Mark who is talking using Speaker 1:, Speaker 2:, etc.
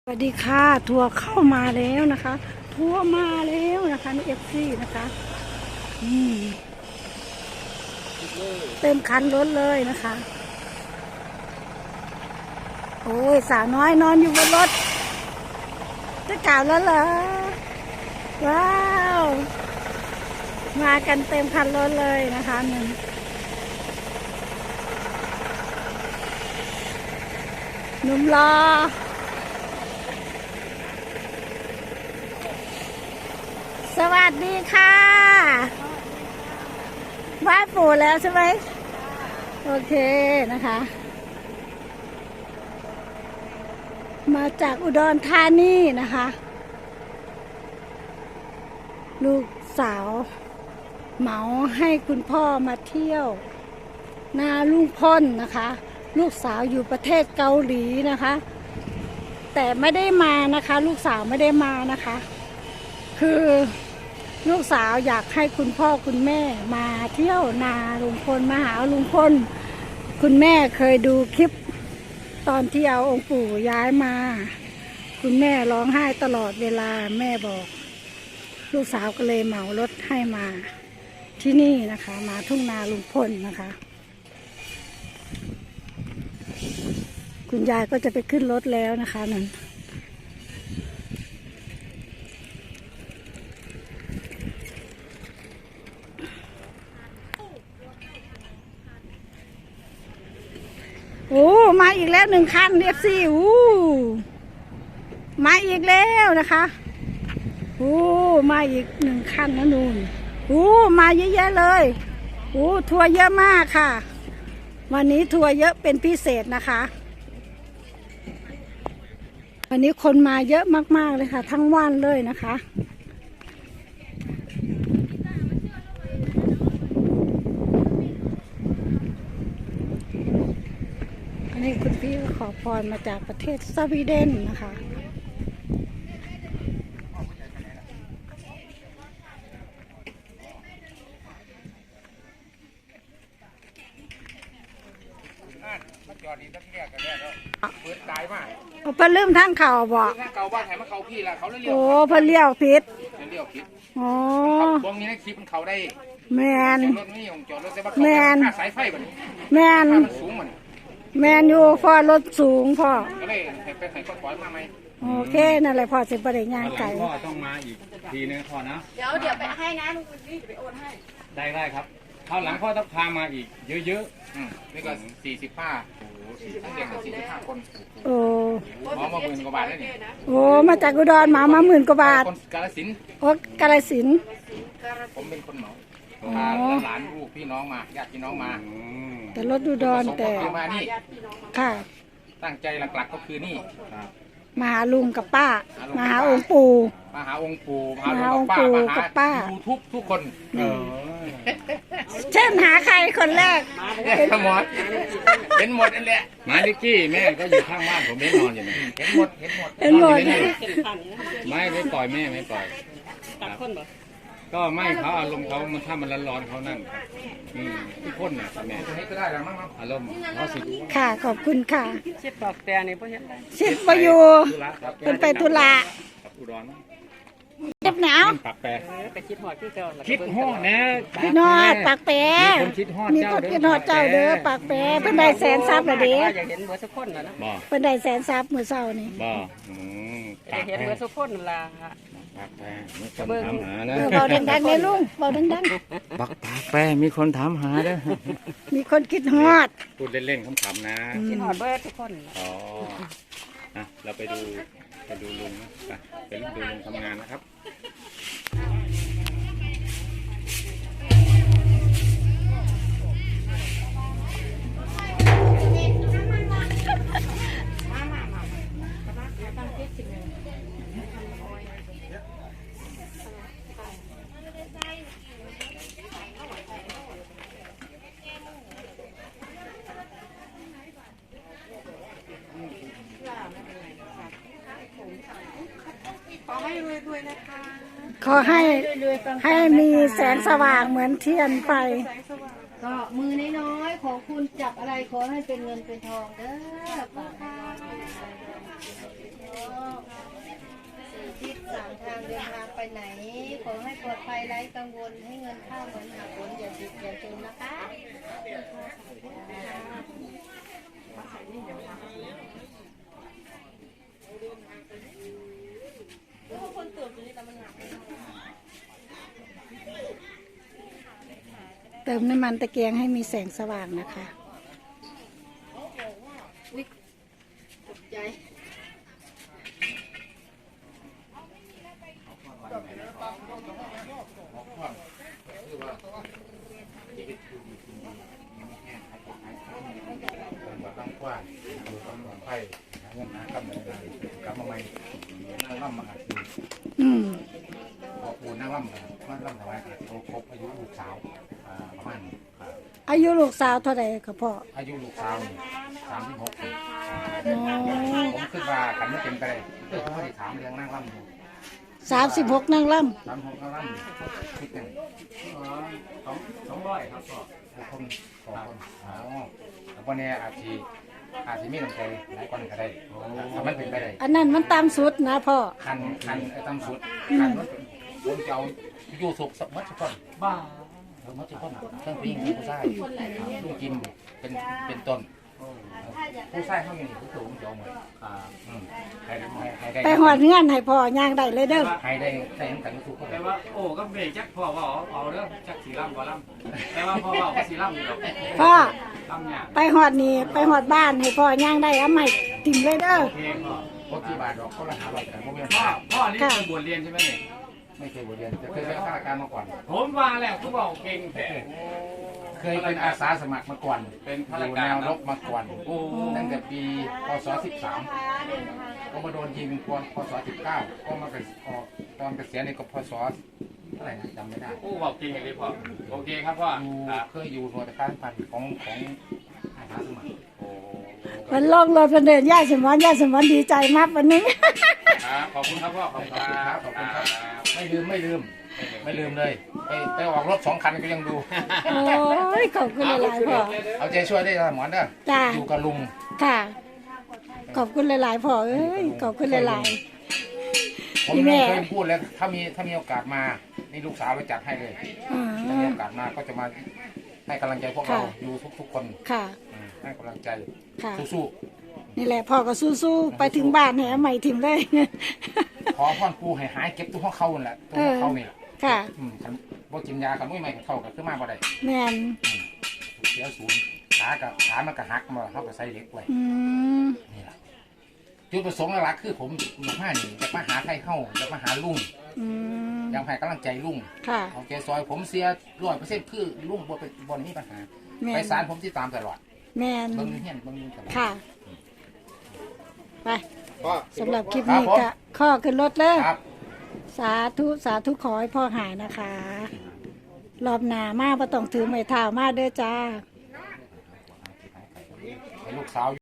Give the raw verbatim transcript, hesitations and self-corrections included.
Speaker 1: สวัสดีค่ะทัวร์เข้ามาแล้วนะคะทัวร์มาแล้วนะคะนี่เอฟซีนะคะอืมเต็มคันรถเลยนะคะโอ้ยสาวน้อยนอนอยู่บนรถจะกล่าวแล้วเหรอว้าวมากันเต็มคันรถเลยนะคะหนึ่งหนุ่มรอสวัสดีค่ะไหว้ปู่แล้วใช่ไหมโอเคนะคะ มาจากอุดรธานีนะคะ ลูกสาวเหมาให้คุณพ่อมาเที่ยวนาลุงพลนะคะ ลูกสาวอยู่ประเทศเกาหลีนะคะ แต่ไม่ได้มานะคะ ลูกสาวไม่ได้มานะคะ คือลูกสาวอยากให้คุณพ่อคุณแม่มาเที่ยวนาลุงพลมาหาลุงพลคุณแม่เคยดูคลิปตอนที่เอาองค์ปู่ย้ายมาคุณแม่ร้องไห้ตลอดเวลาแม่บอกลูกสาวก็เลยเหมารถให้มาที่นี่นะคะมาทุ่งนาลุงพลนะคะคุณยายก็จะไปขึ้นรถแล้วนะคะนั่นโอ้มาอีกแล้วหนึ่งคันเอฟซีโอ้มาอีกแล้วนะคะโอ้มาอีกหนึ่งคันนะนูนโอ้มาเยอะแยะเลยโอ้ทัวร์เยอะมากค่ะวันนี้ทัวร์เยอะเป็นพิเศษนะคะวันนี้คนมาเยอะมากๆเลยค่ะทั้งวันเลยนะคะอันนี้คุณพี่ขอพรมาจากประเทศสวีเดนนะคะ
Speaker 2: จอดดีสักเรียกกันแล้วเปิดตายมาก
Speaker 1: เพิ่นลืมทางเข่าบ่
Speaker 2: ถ้าเก่าบ้านแถมมาเขาพี่ละเขาเลี้ยว
Speaker 1: โอ้เพิ่นเลี้ยวผิด
Speaker 2: เลี้ยวผิด
Speaker 1: อ๋อ
Speaker 2: วงนี้ในคลิปมันเขาได้
Speaker 1: แมน
Speaker 2: จอดรถไม่ยงจอดรถแต่ว่าเขาค่าสายไฟมัน
Speaker 1: แมน
Speaker 2: มันสูงมัน
Speaker 1: แมนอยู่พ่อรถสูงพ่อ
Speaker 2: ก็เลยให้ไปให้ก็ถอยมาไหม
Speaker 1: โอเคนั่นแหละพ่อสิบริญญาไก่
Speaker 3: พ่อต้องมาอีกทีนึงพ่อนะ
Speaker 4: เดี๋ยวเดี๋ยวไปให้นะลุงคุณนี่จะไปโอนให้
Speaker 3: ได้ได้ครับคราวหลังพ่อต้องพามาอีกเยอะ
Speaker 2: ๆอืมนี่ก็สี่สิบห้าโอ้โหทั้งเด็กกับสี่สิบห้าคน
Speaker 1: โอ้
Speaker 2: หมอมาหมื่นกว่าบาทแล้วนี่
Speaker 1: โอ้มาจากอุดรมามาหมื่นกว่าบาท
Speaker 2: คนกาฬสินธุ์
Speaker 1: โอ้กาฬสินธุ์
Speaker 2: ผมเป็นคนเหมาพาหลานลูกพี่น้องมาญาติพี่น้องมา
Speaker 1: แต่รถอุดรแต่
Speaker 2: มานี่
Speaker 1: ค่ะ
Speaker 2: ตั้งใจหลักๆก็คือนี่
Speaker 1: มาหาลุงกับป้ามาหาองค์ปู่
Speaker 2: มาหาองค์ปู่มาหาองค์ปู่กับป้ายูทูบทุกคน
Speaker 1: เช่นหาใครคนแรก
Speaker 2: เห็นหมดเห็นหมดนั่นแหละ
Speaker 3: ๆมาลิกกี้แม่ก็อยู่ข้างบ้านผมไม่นอนอยู่นี่
Speaker 2: เห็นหมดเห็นหมด
Speaker 1: เห็นหมด
Speaker 3: ไม่ไม่ปล่อยแม่ไม่ปล่อยก็ไม่เขาอารมณ์เขามันถ้ามันร้อนๆเขานั่นทุกคนเนี่ยแม่
Speaker 2: ให้ก็ได้แล้วมั้ง
Speaker 3: อารมณ์เขาสิ
Speaker 1: ค่ะขอบคุณค่ะ
Speaker 4: ชิดปากแต่นี่พ่อเห็นได้
Speaker 1: ชิดประยูเป็นไปตุลา
Speaker 3: อุดร
Speaker 1: เจ็บหนาว
Speaker 3: ปากแปร
Speaker 4: ไปคิดหอดที่เจ้า
Speaker 3: คิดหอดนะ
Speaker 1: คิดหอดปากแปรมีคนคิดหอดเจ้าเด้อปากแปรเพิ่นได้แสนซับละเด้
Speaker 4: อยากเห็นเบอร์สุกคนนะนะ
Speaker 1: เพิ่นได้แสนซับมื้อเช้านี่
Speaker 3: บ่
Speaker 4: อยากเห็นเบอร์สุกคนนั่นล่ะ
Speaker 3: ปากแปรมีคนถามหานะ
Speaker 1: เบาดังๆเลยลุงเบาดัง
Speaker 3: ๆปากแปรมีคนถามหาเด้อ
Speaker 1: มีคนคิดฮอด
Speaker 3: พูดเล่นๆขำๆนะ
Speaker 4: คิดฮอดเบอร์ทุกคน
Speaker 3: อ๋อนะเราไปดูไปดูลุงนะไปดูลุงทำงานนะครับ
Speaker 4: ขอให้รวยๆนะคะ
Speaker 1: ขอให้ให้มีแสงสว่างเหมือนเทียนไฟ
Speaker 5: ก็มือน้อยๆของคุณจับอะไรขอให้เป็นเงินเป็นทองเด้อป้าค่ะไหน ขอให้ปลอดภัยไร้กังวลให้เงินเข้าเหมือนหาผลอย่าติดอย่าจนนะคะ
Speaker 1: เติมน้ำมันตะเกียงให้มีแสงสว่างนะคะ
Speaker 5: ใจ
Speaker 2: ตั้งกว้างดูกำลังไฟหาเงินหากำลังงานกำมาใหม่นั่งล่ำมาหาคือ
Speaker 1: อืม
Speaker 2: พอปูนั่งล่ำมันล่ำทำไมโตครบอายุลูกสาวประมาณ
Speaker 1: อายุลูกสาวเท่าไหร่ครับพ่อ
Speaker 2: อายุลูกสาวสามสิบหกปี
Speaker 1: อ๋อ
Speaker 2: ผมคิดว่าขันไม่เป็นไปได้เพื่อเขาได้ถามเรื่องนั่งล่ำอยู่
Speaker 1: สามสิบหกนางล่
Speaker 2: สามหกนั่งล่ำคิดหนึ่ง
Speaker 3: สองสองร้อยครับพ่อ
Speaker 2: คนสองคนอ๋อแล้ววันนี้อาจจะอาจจะมีน้ำใจหลายคนก็ได้ถ้ามันเป็นไปได้
Speaker 1: ำอันนั้นมันตามสุดนะพ่อ
Speaker 2: คันคันไอ้ตำสุดคันมันผมจะเอาอยู่สุกสักมัดสักคน
Speaker 3: บ้า
Speaker 2: เออมัดสักคนเครื่องปิ้งผู้ชายลูกกินเป็นเป็นต้นผู้ชายเขาอย่างนี้ผู้สูงจะเอาหมดอืมให้ได้ให้ได้
Speaker 1: ไปหอดเงื่อนให้พ่อย่างได้เลยเด้อ
Speaker 2: ให้ได้ได้ทั้งแต่งทุกคน
Speaker 3: แต่ว่าโอ้ก็เบรกจักพ่อว่าเอาเอาเรื่องจักสีล่ำบ่ล่ำแต่ว่าพ่อว่าก็สีล่ำอยู่หรอก
Speaker 1: พ่อ
Speaker 3: ล่ำเนี่ย
Speaker 1: ไปหอดนี่ไปหอดบ้านให้พ่อย่างได้เอาใหม่ติ่มเลยเด้อ
Speaker 3: โอเคพ่อ
Speaker 2: พวกที่บาทดอกเขาละหาบาทแต่พวกนี้
Speaker 3: พ่อพ่อนี่เป็นบวชเรียนใช่ไหมเนี่ย
Speaker 2: ไม่เคยบวชเรียนแต่เคยเป็นข้าราชการมาก่อน
Speaker 3: ผมว่าแล้วเขาบอกเก่งแต่
Speaker 2: เคยเป็นอาสาสมัครมาก่อน
Speaker 3: เป็นข้า
Speaker 2: อ
Speaker 3: ราช
Speaker 2: ยู่
Speaker 3: กา
Speaker 2: แน
Speaker 3: ร
Speaker 2: วร
Speaker 3: นะ
Speaker 2: บมาก่อน
Speaker 3: โอ้
Speaker 2: ตั้งแต่ปีพศสิบสามก็มาโดนยิงพพศสิบเก้าก็มาเกษียณออกตอนเกษียณนี่ก็พศเท่าไหร่นะจำไม่ได้
Speaker 3: โอ้บอกเก่งเลยพ่อโอเคครับพ่อ
Speaker 2: อยู่
Speaker 3: ครับ
Speaker 2: เคยอยู่หน่วยการพันของของอาสาสมัคร
Speaker 3: โอ้
Speaker 1: มันลงรถมันเดินย่าสมอนย่าสมอนดีใจมากวันนี้
Speaker 3: ครับขอบคุณครับพ่อขอบคุณครับ
Speaker 2: ขอบคุณครับไม่ลืมไม่ลืมไม่ลืมเลยไปไปออกรถสองคันก็ยังดู
Speaker 1: โอ้ยขอบคุณหลายๆพ่อ
Speaker 2: เอาใจช่วยได้หมอนเด้อ
Speaker 1: จ้า
Speaker 2: อยู่กับลุง
Speaker 1: ค่ะ ขอบคุณหลายๆพ่อเอ้ยขอบคุณหลาย
Speaker 2: ผม
Speaker 1: พี่แม่
Speaker 2: เคยพูดแล้วถ้ามีถ้ามีโอกาสมานี่ลูกสาวไปจัดให้เลย
Speaker 1: ๆอ่า
Speaker 2: ถ้ามีโอกาสมาก็จะมาให้กำลังใจพวกเราอยู่ทุกๆคน
Speaker 1: ค่ะ
Speaker 2: อืมให้กำลังใจ
Speaker 1: ค่ะ
Speaker 2: สู้
Speaker 1: นี่แหละพ่อก็สู้ๆไปถึงบ้านให้เอาใหม่ถิ่มเลย
Speaker 2: ๆขอพ่อนปูให้หายเก็บตัวของเขานั่นแหละตัวของเขานี่แหละ
Speaker 1: ค่ะ
Speaker 2: อืมคันบ่กินยาคันไม่ไม่เข้ากับขึ้นมาบ่ได้
Speaker 1: แม่น
Speaker 2: เสียศูนย์ขากับขามันก็หักมาเขาก็ใส่เหล็กไว้
Speaker 1: อืม
Speaker 2: นี่แหละจุดประสงค์หลักๆคือผมมานี่จะมาหาใครเข้าจะมาหาลุง
Speaker 1: อืม
Speaker 2: อยากให้กำลังใจลุง
Speaker 1: ค่ะ
Speaker 2: เอาใจซอยผมเสียร้อยเปอร์เซ็นต์คือลุงบ่เป็นบ่มีปัญหา
Speaker 1: แม่
Speaker 2: ไป
Speaker 1: น
Speaker 2: ศาลผมที่ตามตลอด
Speaker 1: แม่น
Speaker 2: เบิ่งเฮียนเบิ่งตลอด
Speaker 1: ค่ะ ไป
Speaker 2: พ่อ
Speaker 1: สำหรับคลิป
Speaker 2: ครับ
Speaker 1: นี้
Speaker 2: ผม
Speaker 1: ก็ข้อขึ้นรถเลย
Speaker 2: ครับ
Speaker 1: สาธุสาธุขอให้พ่อหายนะคะ รอบหน้ามาประต้องถือไม้เท้ามาเด้อจ้า
Speaker 2: ให้ลูกสาว